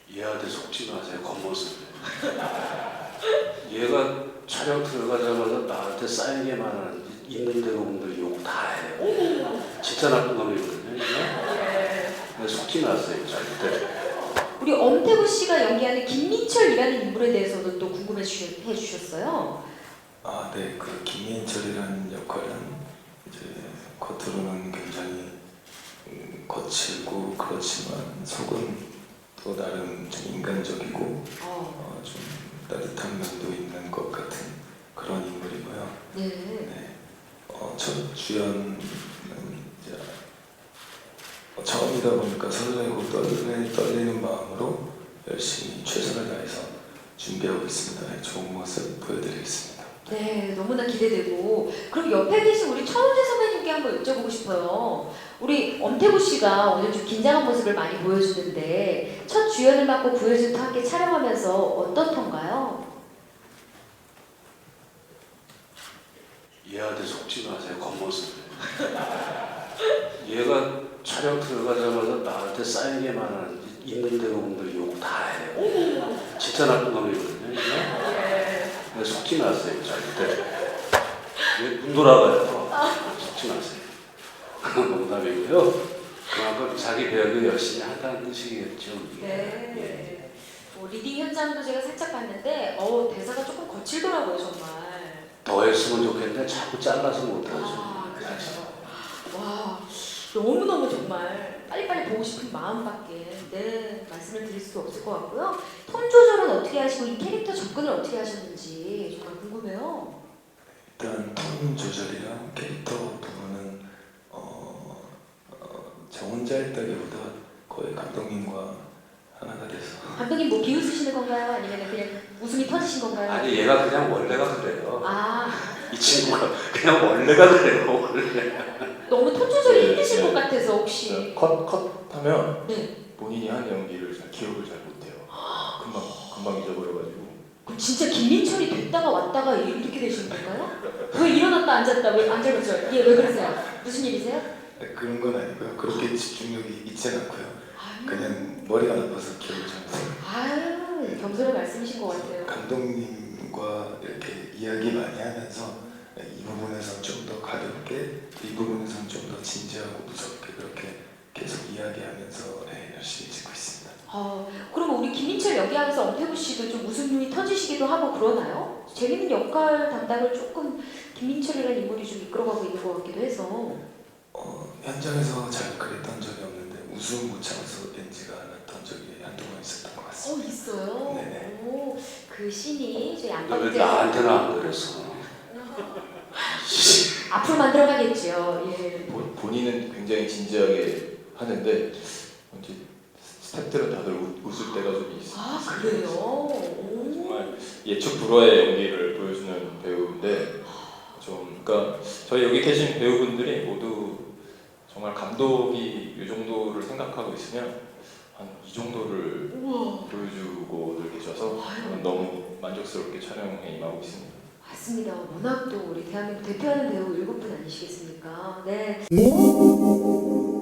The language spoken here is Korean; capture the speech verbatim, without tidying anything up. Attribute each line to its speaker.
Speaker 1: 얘한테 속지 마세요. 겉모습. 얘가 촬영 들어가자마자 나한테 쌓이게만 하는 있는 대로분들 욕 다 해요. 진짜 나쁜 놈이거든요. 네. 속지 마세요. 절대.
Speaker 2: 우리 엄태구 씨가 연기하는 김민철이라는 인물에 대해서도 또 궁금해 주셨, 해주셨어요.
Speaker 3: 아, 네. 그 김민철이라는 역할은 이제 겉으로는 굉장히 음, 거칠고 그렇지만 속은 또 나름 좀 인간적이고
Speaker 2: 어.
Speaker 3: 어, 좀 따뜻한 면도 있는 것 같은 그런 인물이고요.
Speaker 2: 네.
Speaker 3: 네. 어, 첫 주연은 이제 어, 처음이다 보니까 설레고 떨리, 떨리는 마음으로 열심히 최선을 다해서 준비하고 있습니다. 네, 좋은 모습 보여드리겠습니다.
Speaker 2: 네, 너무나 기대되고. 그럼 옆에 계신 우리 천우재 선배님께 한번 여쭤보고 싶어요. 우리 엄태구 씨가 오늘 좀 긴장한 모습을 많이 보여주는데 첫 주연을 맡고 구혜준과 함께 촬영하면서 어떻던가요?
Speaker 1: 얘한테 속지 마세요. 겉모습. 얘가 촬영 들어가자마자 나한테 쌓이게만 하는 있는 대로분들 욕 다 해요. 진짜 나쁜 놈이거든요. 네. 속지 마세요. 절대. 얘눈 돌아가요. 속지 마세요. 농담이고요. 그만큼 자기 배역을 열심히 한다는 뜻이겠죠. 이게.
Speaker 2: 네.
Speaker 1: 예.
Speaker 2: 뭐 리딩 현장도 제가 살짝 봤는데 어 대사가 조금 거칠더라고요 정말.
Speaker 1: 더 했으면 좋겠는데 자꾸 잘라서 못하죠.
Speaker 2: 아, 그렇죠. 와, 너무너무 정말 빨리빨리 보고 싶은 마음밖에 네, 말씀을 드릴 수 없을 것 같고요. 톤 조절은 어떻게 하시고 이 캐릭터 접근을 어떻게 하셨는지 정말 궁금해요.
Speaker 3: 일단 톤 조절이랑 캐릭터 부분은 어, 어, 저 혼자 했다기보다 거의 감독님과 하나가 돼서
Speaker 2: 감독님 뭐 비웃으시는 건가요? 아니면 그냥 웃음이 터지신 건가요?
Speaker 1: 아니 얘가 그냥 원래가 그래요.
Speaker 2: 아,
Speaker 1: 이 친구가 그냥 원래가 그래요. 원래.
Speaker 2: 너무 톤 조절이
Speaker 4: 네,
Speaker 2: 힘드실
Speaker 4: 네.
Speaker 2: 것 같아서 혹시.
Speaker 4: 컷, 컷 하면
Speaker 2: 네.
Speaker 4: 본인이 한 연기를 잘 기억을 잘 못해요. 금방, 금방 잊어버려가지고.
Speaker 2: 그럼 진짜 김민철이 됐다가 왔다가 이렇게 되시는 건가요? 왜 일어났다 앉았다 왜 앉아봤죠? 예, 왜 그러세요? 무슨 일이세요?
Speaker 3: 네, 그런 건 아니고요. 그렇게 집중력이 있진 않고요.
Speaker 2: 아유,
Speaker 3: 그냥 머리가 나빠서 기억을 잘 못해요.
Speaker 2: 아유 겸손한 말씀이신 것 같아요.
Speaker 3: 감독님과 이렇게 이야기 많이 하면서 이 부분에서는 좀 더 가볍게, 이 부분에서는 좀 더 진지하고 무섭게 그렇게 계속 이야기하면서 네, 열심히 찍고 있습니다.
Speaker 2: 어, 그럼 우리 김민철 연기하면서 엄태구 씨도 좀 웃음이 터지시기도 하고 그러나요? 재밌는 역할 담당을 조금 김민철이라는 인물이 좀 이끌어가고 있는 것 같기도 해서.
Speaker 3: 어, 현장에서 잘 그랬던 적이 없는데 웃음 못 참아서 엔지가 않았던 적이 한동안 있었던 것
Speaker 2: 어,
Speaker 3: 같습니다.
Speaker 2: 있어요?
Speaker 3: 네네.
Speaker 2: 오, 그 씬이 저희
Speaker 1: 왜
Speaker 2: 안방에서
Speaker 1: 나한테는 안 그랬어?
Speaker 2: 앞으로 만들어가겠죠. 예.
Speaker 4: 본, 본인은 굉장히 진지하게 하는데 이제 스태프들은 다들 웃, 웃을 때가 좀 있어요.
Speaker 2: 아, 그래요? 오.
Speaker 4: 정말 예측 불허의 연기를 보여주는 배우인데 좀 그러니까 저희 여기 계신 배우분들이 모두 정말 감독이 이 정도를 생각하고 있으면 한 이 정도를
Speaker 2: 우와.
Speaker 4: 보여주고 늘 계셔서 저는 너무 만족스럽게 촬영에 임하고 있습니다.
Speaker 2: 맞습니다. 워낙 또 우리 대한민국 대표하는 배우 일곱 분 아니시겠습니까? 네.